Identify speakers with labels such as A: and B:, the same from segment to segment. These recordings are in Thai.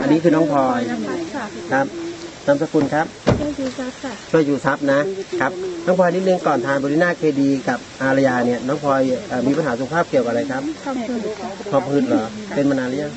A: อันนี้คือน้องพลอยครับนามสกุลครับช่วยอยู่ทรัพย์นะครับน้องพลอยนิดนึงก่อนทานบริน่าเคดีกับอารยาเนี่ยน้องพลอยมีปัญหาสุขภาพเกี่ยวกับอะไรครับหอบหืดเหรอเป็นมานานหรือยัง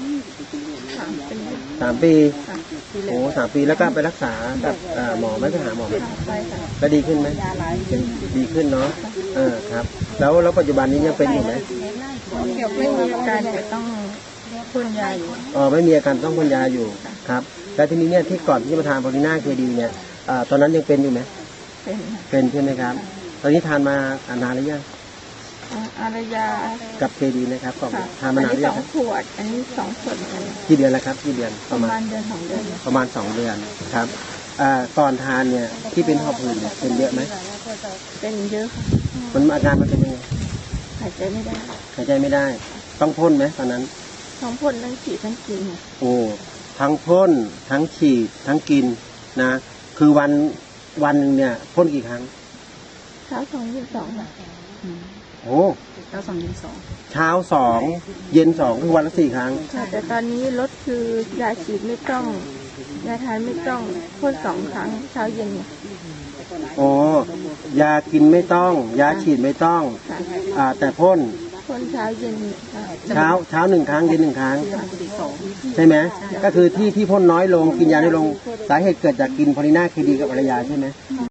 A: 3 ปีโอ้3 ปีแล้วก็ไปรักษากับหมอไหมไปหาหมอไหมแล้วดีขึ้นไหมดีขึ้นเนาะครับแล้วปัจจุบันนี้ยังเป็นอยู่ไหม
B: ไม่มีอาการแต่ต้องพ่นยาอยู่
A: ไม่มีอาการต้องพ่นยาอยู่ครับแล้วทีนี้เนี่ยที่ก่อนที่จะมาทานบริน่าเคดีเนี่ยตอนนั้นยังเป็นอยู่ไหมเป็นใช่ไหมครับตอนนี้ทานมานานหรือยัง
B: อารยา
A: กับเคดีนะครับก่อนทานมานานหรือยัง
B: 2 ขวดอันนี้2 ขวด
A: กี่เดือนแล้วครับกี่เดือน
B: ประมาณเดือน2 เดือน
A: ประมาณ2 เดือนครับก่อนทานเนี่ยที่เป็นหอบหืดเนี่ยเป็นเยอะไหม
B: เป็นเยอะค่ะ
A: มันอาการมันเป็นยังไง
B: หายใจไม่ได้
A: ต้องพ่นไหมตอนนั้น
B: ทั้งพ่นทั้งฉีดทั้งกิน
A: โอ้ทั้งพ่นทั้งฉีดทั้งกินนะคือวันหนึ่งเนี่ยพ่นกี่ครั้ง
B: เช้า2 เย็น 2
A: โอ้
B: เช้า2 เย็น 2
A: เช้า2เย็น2คือวันละ4 ครั้ง
B: แต่ตอนนี้ลดคือยาฉีดไม่ต้องยาทานไม่ต้องพ่น2 ครั้งเช้าเย็น
A: โอ้ยากินไม่ต้องยาฉีดไม่ต้องแต่พ่น
B: เช้าเย็น
A: เช้า1 ครั้งเย็น1 ครั้งใช่ไหมก็คือที่พ่นน้อยลงกินยาน้อยลงสาเหตุเกิดจากกินพอลิน่าเคดีกับอารยาใช่ไหม